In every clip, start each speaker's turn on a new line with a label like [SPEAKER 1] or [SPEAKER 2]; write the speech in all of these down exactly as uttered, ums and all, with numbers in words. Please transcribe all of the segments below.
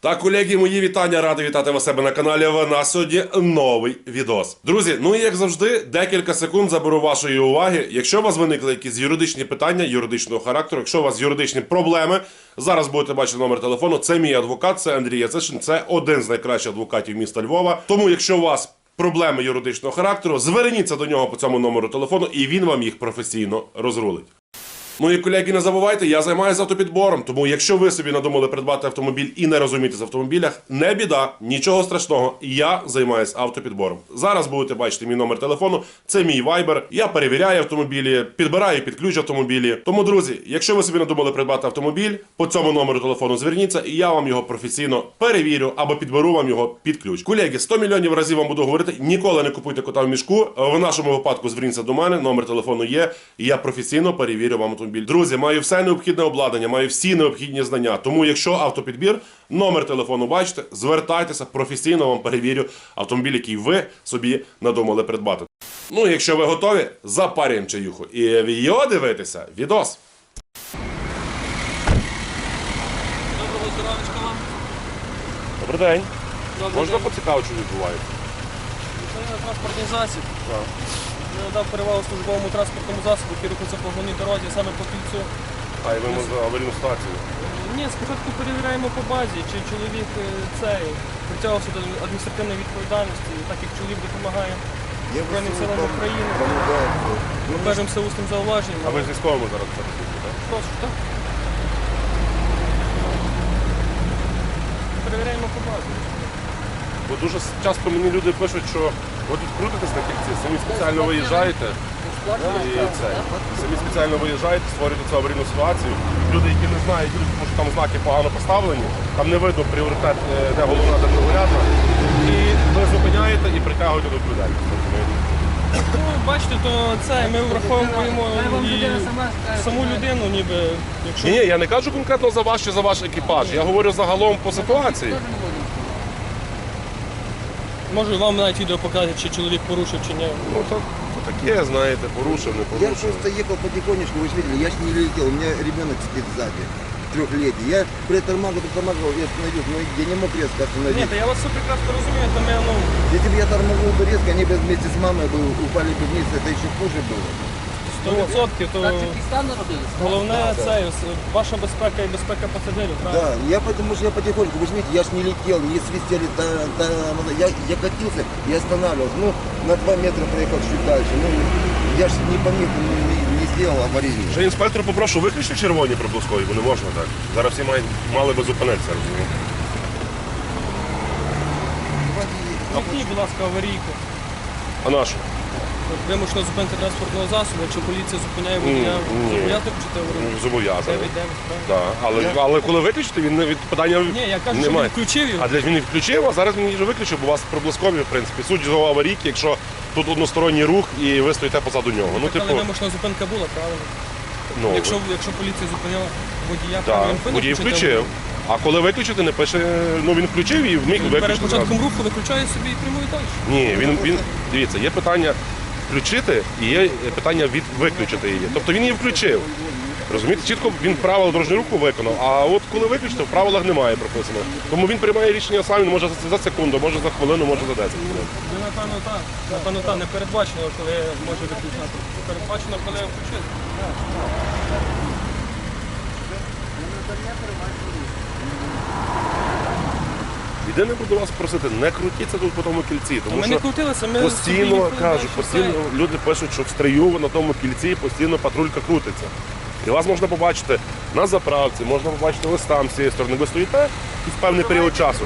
[SPEAKER 1] Так, колеги, мої вітання, радий вітати вас себе на каналі. В нас сьогодні новий відос. Друзі, ну і як завжди, декілька секунд заберу вашої уваги. Якщо у вас виникли якісь юридичні питання, юридичного характеру, якщо у вас юридичні проблеми, зараз будете бачити номер телефону. Це мій адвокат, це Андрій Яцишин, це один з найкращих адвокатів міста Львова. Тому, якщо у вас проблеми юридичного характеру, зверніться до нього по цьому номеру телефону, і він вам їх професійно розрулить. Ну і, колеги, не забувайте, я займаюся автопідбором, тому якщо ви собі надумали придбати автомобіль і не розумієтесь в автомобілях, не біда, нічого страшного, я займаюся автопідбором. Зараз будете бачити мій номер телефону, це мій вайбер, я перевіряю автомобілі, підбираю під ключ автомобілі. Тому, друзі, якщо ви собі надумали придбати автомобіль, по цьому номеру телефону зверніться, і я вам його професійно перевірю або підберу вам його під ключ. Колеги, сто мільйонів разів вам буду говорити, ніколи не купуйте кота в мішку, в нашому випадку зверніться до мене, номер телефону є, і я професійно перевірю вам автомобіль. Друзі, маю все необхідне обладнання, маю всі необхідні знання. Тому, якщо автопідбір, номер телефону бачите, звертайтеся, професійно вам перевірю автомобіль, який ви собі надумали придбати. Ну, якщо ви готові, запарюємо чаюху і відео дивитися відос.
[SPEAKER 2] Доброго здоров'ячка вам.
[SPEAKER 1] Добрий день.
[SPEAKER 2] Добрий
[SPEAKER 1] Можна
[SPEAKER 2] день.
[SPEAKER 1] поцікавити, що відбувається?
[SPEAKER 2] Це транспортний засіб.
[SPEAKER 1] Так.
[SPEAKER 2] Я надав перевагу службовому транспортному засобу, який рухається по головній дорозі, саме по кільцю.
[SPEAKER 1] А і ви за аварійну ситуацію?
[SPEAKER 2] Ні, спочатку перевіряємо по базі, чи чоловік е, цей притягувався до адміністративної відповідальності, так як чоловік допомагає Збройним силам України. Ми кажемо все усним зауваженням.
[SPEAKER 1] А ви з військовими зараз працюєте, так?
[SPEAKER 2] Прошу, так? Перевіряємо по базі.
[SPEAKER 1] Бо дуже часто мені люди пишуть, що ви тут крутитесь на кільці, самі спеціально виїжджаєте, і це, самі спеціально виїжджаєте, створюєте цю аварійну ситуацію. Люди, які не знають, тому що там знаки погано поставлені, там не видно пріоритет, де головна, де другорядна, і ви зупиняєте і притягуєте до відповідальності.
[SPEAKER 2] Ну, бачите, то це ми враховуємо і саму людину, ніби, якщо...
[SPEAKER 1] Ні, ні, я не кажу конкретно за вас чи за ваш екіпаж, я говорю загалом по ситуації.
[SPEAKER 2] Можу вам навіть відео показати, чи чоловік порушив, чи ні.
[SPEAKER 1] Ну, то, то таке, знаєте, порушив, не
[SPEAKER 3] Я
[SPEAKER 1] порушив.
[SPEAKER 3] просто ехал потихонечку, вы же видели, я ж не летел, у меня ребенок сидит сзади, трехлетний. Я притормаживал, притормаживал и остановился, но я не мог резко
[SPEAKER 2] Ні,
[SPEAKER 3] остановиться.
[SPEAKER 2] та я вас все прекрасно розумію, то ми, ну,
[SPEAKER 3] Если бы я тормознул бы резко, они бы вместе с мамой бы упали бы вниз, это еще хуже было.
[SPEAKER 2] сто відсотків, то головне це ваша безпека і безпека пасажирів, правильно?
[SPEAKER 3] Да, я потому что я потихоньку, вы же видите, я ж не летел, не свистели, та, та, я, я катился и останавливался. Ну, на два метра проехал чуть дальше. Ну, я ж не помню, не, не, не сделал аварийный.
[SPEAKER 1] Вже інспектор попрошу, виключити червоні приблизкові, бо не можна так. Зараз всі мають, мали би зупинитися, розумієте?
[SPEAKER 2] Вимкніть, будь ласка, аварійку.
[SPEAKER 1] А нашу?
[SPEAKER 2] Вимушено зупинити транспортного засобу, якщо поліція зупиняє водія,
[SPEAKER 1] ні.
[SPEAKER 2] зобов'язати включити аварійку.
[SPEAKER 1] Зобов'язаний.
[SPEAKER 2] дев'ять дев'ять, правильно?
[SPEAKER 1] Так, але, але коли виключити, він не від питання
[SPEAKER 2] Ні, я кажу, що
[SPEAKER 1] немає.
[SPEAKER 2] він включив його.
[SPEAKER 1] А для він не включив, а зараз він її вже виключив, бо у вас приблизкові, в принципі. Суть його аварійки, якщо тут односторонній рух і ви стоїте позаду нього. Ну,
[SPEAKER 2] Так,
[SPEAKER 1] типу,
[SPEAKER 2] але вимушена зупинка була, правильно?
[SPEAKER 1] ну,
[SPEAKER 2] Якщо, якщо поліція зупиняла водія,
[SPEAKER 1] так,
[SPEAKER 2] правильно, він повинен
[SPEAKER 1] водій
[SPEAKER 2] включити
[SPEAKER 1] включив.
[SPEAKER 2] аварійку.
[SPEAKER 1] А коли виключити, не пише, ну він включив і вміг
[SPEAKER 2] Перед
[SPEAKER 1] виключити.
[SPEAKER 2] початком
[SPEAKER 1] зразу.
[SPEAKER 2] руху виключає собі і прямує далі.
[SPEAKER 1] Ні, він, він, дивіться, є питання включити і є питання від виключити її. Тобто він її включив. Розумієте, чітко він правила дорожнього руху виконав, а от коли виключити, в правилах немає прописано. Тому він приймає рішення сам, він може за секунду, може за хвилину, може за десять хвилин.
[SPEAKER 2] Ну, напевно, так. Напевно, так. Не передбачено, коли може виключати. Передбачено, коли включити.
[SPEAKER 1] Єдине буду вас просити, не крутіться тут по тому кільці, тому
[SPEAKER 2] Ми не
[SPEAKER 1] що
[SPEAKER 2] крутилися, ми
[SPEAKER 1] постійно,
[SPEAKER 2] собі
[SPEAKER 1] кажу,
[SPEAKER 2] що
[SPEAKER 1] постійно
[SPEAKER 2] це.
[SPEAKER 1] люди пишуть, що в стрию на тому кільці постійно патрулька крутиться. І вас можна побачити на заправці, можна побачити ось там з цієї сторони. Ви стоїте якийсь певний період часу,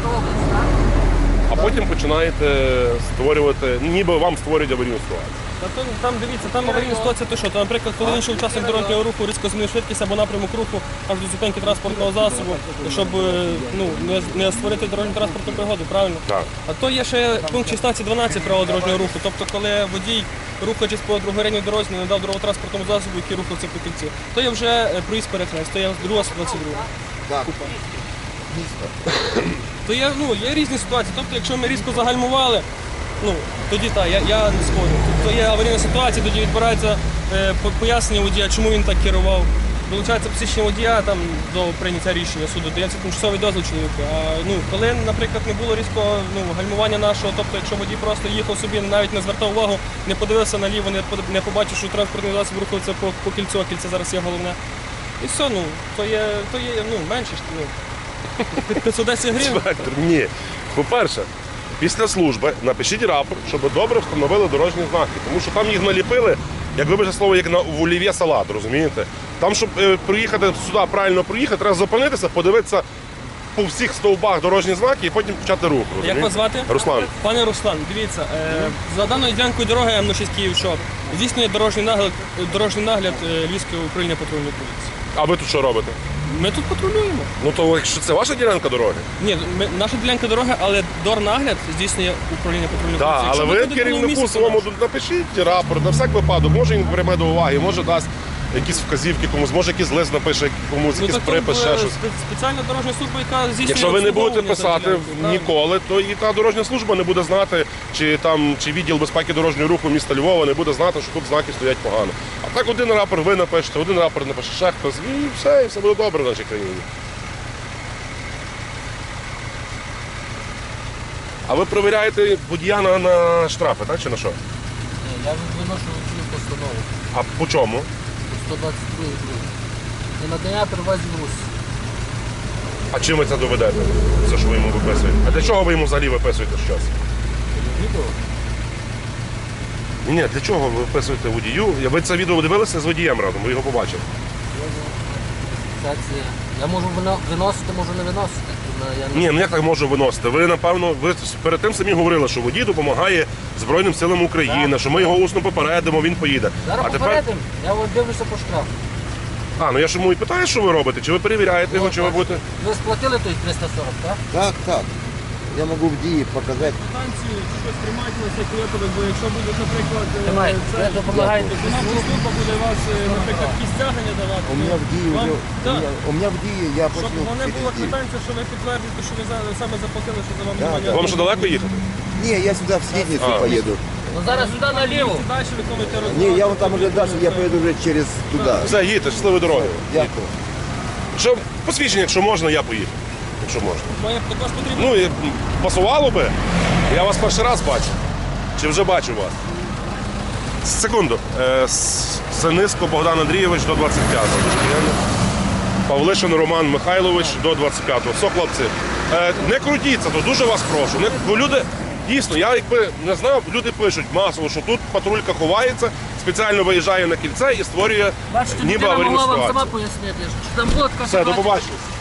[SPEAKER 1] а потім починаєте створювати, ніби вам створюють аварійну ситуацію.
[SPEAKER 2] Та то, там дивіться, там аварійна ситуація, то що, то, наприклад, коли інший учасник дорожнього руху різко змінив швидкість або напрямок руху аж до зупинки транспортного засобу, щоб е, ну, не, не створити дорожню транспортну пригоду, правильно?
[SPEAKER 1] Так.
[SPEAKER 2] А то є ще пункт шістнадцять дванадцять правил дорожнього руху, тобто коли водій, рухаючись по другорядній дорозі, не надав дороготранспортному засобу, який рухався по кільці, то є вже е, проїзд перехрест, то є друга сто двадцять друга.
[SPEAKER 3] Так.
[SPEAKER 2] То є, ну, є різні ситуації. Тобто, якщо ми різко загальмували, ну, тоді так, я, я не спорю. Тобто є аварійна ситуація, тоді відбирається е, по- пояснення водія, чому він так керував. долучається посвідчення водія там, до прийняття рішення суду, дається тимчасовий дозвіл чоловіку. А ну, коли, наприклад, не було різкого ну, гальмування нашого, тобто якщо водій просто їхав собі, навіть не звертав увагу, не подивився наліво, не, под- не побачив, що транспортний засіб рухається по, по кільцю, а кільце зараз є головне. І все, ну, то є, то є ну, менше, ж, ну, п'ятсот десять гривень.
[SPEAKER 1] Інспектор, ні. По-перше, після служби напишіть рапорт, щоб добре встановили дорожні знаки. Тому що там їх наліпили, як вибачте слово, як на в олів'є салат, розумієте? Там, щоб е, приїхати сюди, правильно проїхати, треба зупинитися, подивитися по всіх стовбах дорожні знаки і потім почати рух.
[SPEAKER 2] Як
[SPEAKER 1] розумієте?
[SPEAKER 2] вас звати?
[SPEAKER 1] Руслан.
[SPEAKER 2] Пане Руслан, дивіться, е, за даною ділянкою дороги М шість Київ-Шоп здійснює дорожній нагляд, дорожній нагляд е, Львівського управління патрульної поліції.
[SPEAKER 1] А ви тут що робите?
[SPEAKER 2] Ми тут патрулюємо.
[SPEAKER 1] Ну то якщо це ваша ділянка дороги?
[SPEAKER 2] Ні, ми, наша ділянка дороги, але дорнагляд здійснює управління патрульної
[SPEAKER 1] Так,
[SPEAKER 2] поліції.
[SPEAKER 1] але
[SPEAKER 2] Якщо
[SPEAKER 1] ви
[SPEAKER 2] буде було
[SPEAKER 1] керівнику
[SPEAKER 2] місце,
[SPEAKER 1] своєму
[SPEAKER 2] то
[SPEAKER 1] напишіть рапорт на всяк випадок. Може він прийме до уваги, може дасть якісь вказівки комусь, може якийсь лист напише комусь,
[SPEAKER 2] ну,
[SPEAKER 1] якийсь
[SPEAKER 2] так,
[SPEAKER 1] припис,
[SPEAKER 2] е,
[SPEAKER 1] ще щось.
[SPEAKER 2] спе- Спеціальна дорожня служба, яка здійснює
[SPEAKER 1] Якщо ви не будете
[SPEAKER 2] обслуговування за
[SPEAKER 1] писати
[SPEAKER 2] ділянкою, правильно?
[SPEAKER 1] ніколи, то і та дорожня служба не буде знати, чи там чи відділ безпеки дорожнього руху міста Львова не буде знати, що тут знаки стоять погано. А так один рапорт ви напишете, один рапорт напише ще хтось, і все, і все буде добре в нашій країні. А ви перевіряєте водія на, на штрафи, так чи на що?
[SPEAKER 4] Ні, я виношу цю постанову
[SPEAKER 1] А по чому?
[SPEAKER 4] сто двадцять два гривень. Не надання перевозів Русь.
[SPEAKER 1] А чим ви це доведете? Це що ви йому виписуєте? А для чого ви йому взагалі виписуєте щось?
[SPEAKER 4] Відео?
[SPEAKER 1] Ні, ні, для чого ви виписуєте водію? Ви це відео дивилися з водієм разом, ви його побачили.
[SPEAKER 4] Фіксація. Я можу вино- виносити, можу не виносити. Я не-
[SPEAKER 1] Ні, ну як так можу виносити? Ви, напевно, ви перед тим самі говорили, що водій допомагає Збройним силам України, що ми його усно попередимо, він поїде.
[SPEAKER 4] Зараз
[SPEAKER 1] А тепер.
[SPEAKER 4] попередимо, я от дивлюся по штрафу.
[SPEAKER 1] А, ну я ж йому і питаю, що ви робите, чи ви перевіряєте його, чи ви будете.
[SPEAKER 4] Ви сплатили той триста сорок, так?
[SPEAKER 3] Так, так. Я могу в ДИИ показать.
[SPEAKER 2] Станцію чи щось тримайте на цей випадок, бо якщо буде, наприклад, е,
[SPEAKER 4] Тримай,
[SPEAKER 2] це-
[SPEAKER 4] ви допомагаєте.
[SPEAKER 2] виконавча служба буде вас, е, наприклад, якісь стягнення давати.
[SPEAKER 3] У меня в ДИИ
[SPEAKER 2] Вам-
[SPEAKER 3] уже, у
[SPEAKER 2] так.
[SPEAKER 3] меня, у меня в ДИИ я
[SPEAKER 2] Щоб
[SPEAKER 3] платил
[SPEAKER 2] вони
[SPEAKER 3] через
[SPEAKER 2] була
[SPEAKER 3] ДИИ.
[SPEAKER 2] квитанція, що ви підтвердите, що ви за- саме заплатили, що за вами
[SPEAKER 3] Да,
[SPEAKER 2] немає.
[SPEAKER 3] да.
[SPEAKER 1] Вам ще далеко їхати?
[SPEAKER 3] Не, я сюда в Средницу
[SPEAKER 1] А.
[SPEAKER 3] поеду.
[SPEAKER 4] Ну зараз сюди наліво.
[SPEAKER 2] Далі виконуєте
[SPEAKER 3] Не,
[SPEAKER 2] роботу.
[SPEAKER 3] я вон там уже дальше, я поеду уже через туда.
[SPEAKER 1] Все, їдьте, щасливої дороги.
[SPEAKER 3] Дякую.
[SPEAKER 1] Що посвідчення, якщо можна, я поїду. Якщо можна.
[SPEAKER 2] Має також потрібно.
[SPEAKER 1] Ну і м, пасувало би. Я вас перший раз бачу. Чи вже бачу вас? Секунду. Е, С- Синиско Богдан Андрійович до двадцять п'ятого. Павлишин Роман Михайлович до двадцять п'ятого. Все, хлопці, е, не крутіться, то дуже вас прошу. Не, бо люди, дійсно, я якби не знав, люди пишуть масово, що тут патрулька ховається, спеціально виїжджає на кільце і створює
[SPEAKER 4] Бачите,
[SPEAKER 1] ніби
[SPEAKER 4] людина
[SPEAKER 1] аварійну
[SPEAKER 4] могла вам
[SPEAKER 1] ситуацію.
[SPEAKER 4] сама пояснити, що там була така
[SPEAKER 1] Все, до
[SPEAKER 4] ситуація.
[SPEAKER 1] побачення.